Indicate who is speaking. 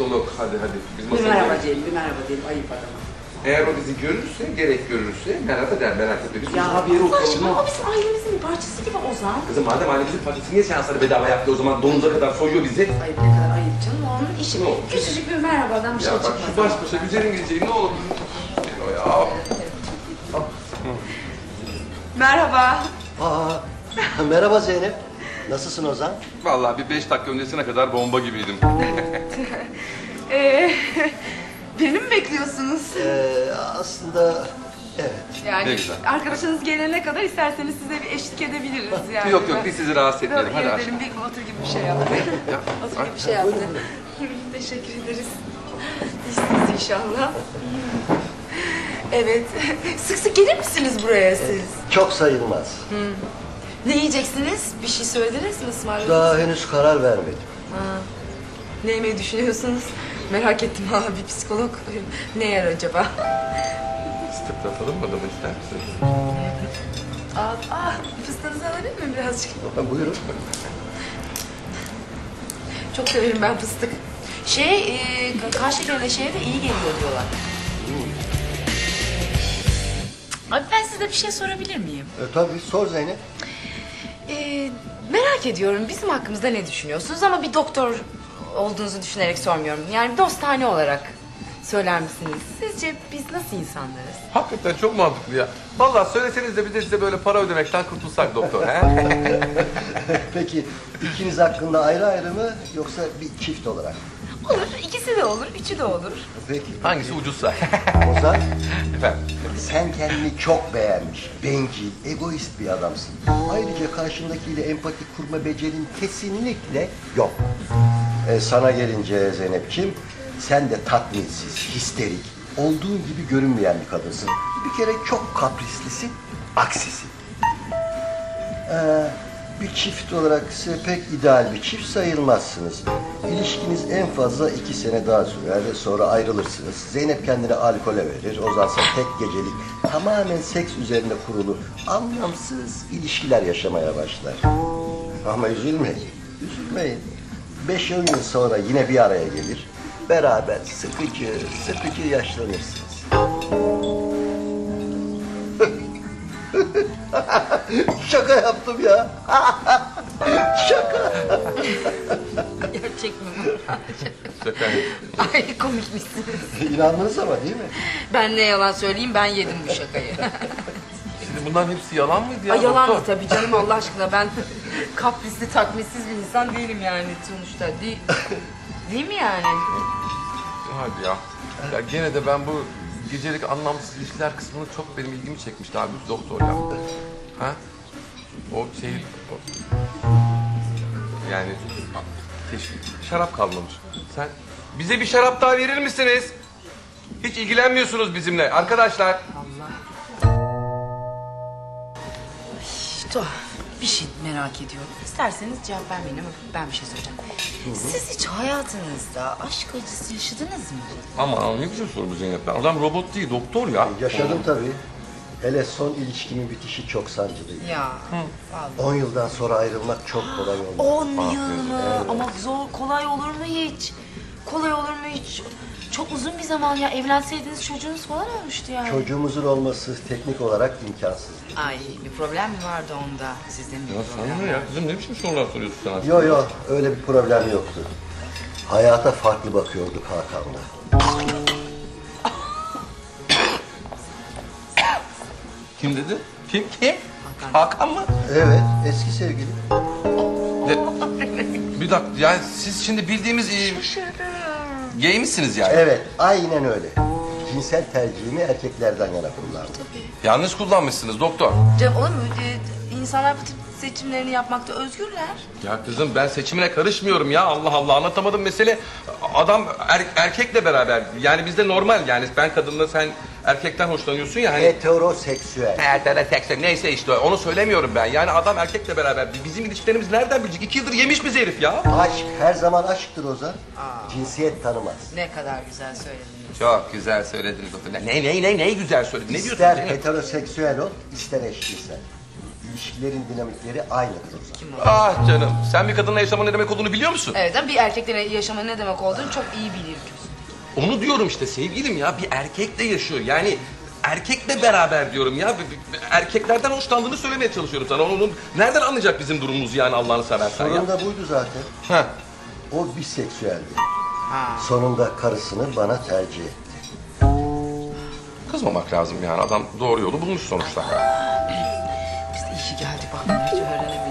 Speaker 1: psikolog. Hadi. Biz
Speaker 2: Bir
Speaker 1: masaya
Speaker 2: merhaba
Speaker 1: gidelim.
Speaker 2: diyelim, bir merhaba diyelim. Ayıp adama.
Speaker 1: Eğer o bizi görürse, gerek görürse merhaba der, merak etme. Biz
Speaker 2: Ya
Speaker 1: uzak bir yere oturalım.
Speaker 3: Saçma, o bizim ailemizin bir parçası gibi Ozan.
Speaker 1: Kızım madem ailemizin parçası niye seansları bedava yaptı o zaman donuza kadar soyuyor bizi?
Speaker 2: Ayıp, ne kadar ayıp canım, o onun işi.
Speaker 1: Ne oldu?
Speaker 2: Küçücük bir merhabadan bir
Speaker 1: Ya
Speaker 2: şey
Speaker 1: bak
Speaker 2: çıkmaz.
Speaker 1: şu baş başa güzel İngilizceyi ne olur. O ya.
Speaker 2: Merhaba.
Speaker 4: Merhaba Zeynep. Nasılsın Ozan?
Speaker 1: Vallahi bir 5 dakika öncesine kadar bomba gibiydim.
Speaker 3: Birini mi bekliyorsunuz?
Speaker 4: Aslında evet.
Speaker 3: Yani
Speaker 1: Ne güzel.
Speaker 3: arkadaşınız gelene kadar isterseniz size bir eşlik edebiliriz yani.
Speaker 1: Yok biz sizi rahatsız etmeyelim. Hadi aşkım.
Speaker 3: Gidelim bir otur gibi bir şey yaptı. Otur gibi bir şey yaptı. Teşekkür ederiz. İyisiniz inşallah. Evet. Sık sık gelir misiniz buraya siz?
Speaker 4: Çok sayılmaz.
Speaker 3: Ne yiyeceksiniz? Bir şey söylediniz mi ısmarladınız?
Speaker 4: Daha henüz karar vermedim.
Speaker 3: Ne yemeyi düşünüyorsunuz? Merak ettim ha, bir psikolog ne yer acaba?
Speaker 1: Sıtıklatalım mı adamı ister misiniz?
Speaker 3: Fıstığınızı alabilir miyim birazcık?
Speaker 4: Buyurun.
Speaker 3: Çok severim ben fıstık. Kan şekerine şeye de iyi geliyor diyorlar. Abi ben size bir şey sorabilir miyim?
Speaker 4: Tabii sor Zeynep.
Speaker 3: Merak ediyorum bizim hakkımızda ne düşünüyorsunuz ama bir doktor olduğunuzu düşünerek sormuyorum. Yani dostane olarak söyler misiniz? Sizce biz nasıl insanlarız?
Speaker 1: Hakikaten çok mantıklı ya. Vallahi söyleseniz de bir de size böyle para ödemekten kurtulsak doktor. He?
Speaker 4: Peki ikiniz hakkında ayrı ayrı mı yoksa bir çift olarak?
Speaker 3: Olur, ikisi de olur, üçü de olur.
Speaker 4: Peki.
Speaker 1: Hangisi ucuzsa?
Speaker 4: Ozan,
Speaker 1: Efendim?
Speaker 4: sen kendini çok beğenmiş, bencil, egoist bir adamsın. Ayrıca karşındakiyle empati kurma becerin kesinlikle yok. Sana gelince Zeynep'ciğim, sen de tatminsiz, histerik, olduğun gibi görünmeyen bir kadınsın. Bir kere çok kaprislisin, aksisin. Bir çift olarak size pek ideal bir çift sayılmazsınız. İlişkiniz en fazla 2 sene daha sürer ve sonra ayrılırsınız. Zeynep kendini alkole verir, Ozansa tek gecelik, tamamen seks üzerine kurulu, anlamsız ilişkiler yaşamaya başlar. Ama üzülmeyin, üzülmeyin. 5-10 yıl sonra yine bir araya gelir, beraber sıkıcı yaşlanırsınız. Şaka yaptım ya. Şaka.
Speaker 3: Gerçek mi bu?
Speaker 1: Şaka.
Speaker 3: Ay komikmişsiniz.
Speaker 4: İnandınız ama değil mi?
Speaker 3: Ben ne yalan söyleyeyim, ben yedim bu şakayı.
Speaker 1: Şimdi bunların hepsi yalan mıydı ya
Speaker 3: Ay yalan
Speaker 1: doktor?
Speaker 3: tabii canım, Allah aşkına ben kaprisli takmissiz bir insan değilim yani sonuçta. Değil mi yani?
Speaker 1: Hadi ya. Ya gene de ben bu gecelik anlamsız ilişkiler kısmını çok benim ilgimi çekmişti abi doktor ya. Ha? O şey... Yani... Şarap kalmamış. Sen bize bir şarap daha verir misiniz? Hiç ilgilenmiyorsunuz bizimle arkadaşlar.
Speaker 3: Tuhaf. Bir şey merak ediyorum. İsterseniz cevap vermeyin ama ben bir şey soracağım. Siz hiç hayatınızda aşk acısı yaşadınız mı?
Speaker 1: Ama ne güzel soru bu Zeynep. Adam robot değil doktor ya.
Speaker 4: Yaşadım tabii. Hele son ilişkimin bitişi çok sancılıydı.
Speaker 3: Ya.
Speaker 4: 10 yıldan sonra ayrılmak çok kolay oldu.
Speaker 3: 10 yıl mı? Ama kolay olur mu hiç? Kolay olur mu hiç? Çok uzun bir zaman ya. Evlenseydiniz çocuğunuz falan olmuştu yani.
Speaker 4: Çocuğumuzun olması teknik olarak imkansız.
Speaker 3: Ay bir problem mi vardı onda? Sizde mi bir
Speaker 1: Ya
Speaker 3: problem
Speaker 1: sana ne
Speaker 3: var?
Speaker 1: ya? Kızım ne biçim sorular soruyorsun sen aslında?
Speaker 4: Yo öyle bir problem yoktu. Hayata farklı bakıyorduk Hakan'la.
Speaker 1: Kim dedi? Kim? Hakan mı?
Speaker 4: Evet, eski sevgilim.
Speaker 1: Bir dakika yani siz şimdi bildiğimiz gay misiniz yani?
Speaker 4: Evet, aynen öyle. Cinsel tercihimi erkeklerden yana kullandım.
Speaker 1: Yanlış kullanmışsınız doktor.
Speaker 3: Canım olur mu? İnsanlar bu tip seçimlerini yapmakta özgürler.
Speaker 1: Ya kızım ben seçimine karışmıyorum ya. Allah Allah anlatamadım mesele. Adam erkekle beraber. Yani bizde normal yani ben kadınla sen erkekten hoşlanıyorsun ya hani.
Speaker 4: Heteroseksüel.
Speaker 1: Heteroseksüel neyse işte onu söylemiyorum ben. Yani adam erkekle beraber. Bizim ilişkilerimiz nereden bilecek? 2 yıldır yemiş bizi herif ya.
Speaker 4: Aşk her zaman aşktır Ozan. Cinsiyet tanımaz.
Speaker 3: Ne kadar güzel söylediniz.
Speaker 1: Çok güzel söylediniz doktor. Ne güzel söyledin. Ne diyorsun
Speaker 4: İster
Speaker 1: Zeynep?
Speaker 4: heteroseksüel ol, ister eşcinsel. İlişkilerin dinamikleri aynıdır Ozan.
Speaker 1: Ah canım, sen bir kadınla yaşamanın ne demek olduğunu biliyor musun?
Speaker 3: Evet ama bir erkekle yaşamanın ne demek olduğunu çok iyi biliyorsun.
Speaker 1: Onu diyorum işte sevgilim ya, bir erkekle yaşıyor. Yani erkekle beraber diyorum ya. Erkeklerden hoşlandığını söylemeye çalışıyorum sana. Onun nereden anlayacak bizim durumumuzu yani Allah'ını seversen ya?
Speaker 4: Sorun da buydu zaten.
Speaker 1: Heh.
Speaker 4: O biseksüeldi. Sonunda karısını bana tercih etti.
Speaker 1: Kızmamak lazım yani, adam doğru yolu bulmuş sonuçta.
Speaker 3: Biz de iyi ki geldik bak, hiç öğrenemedik.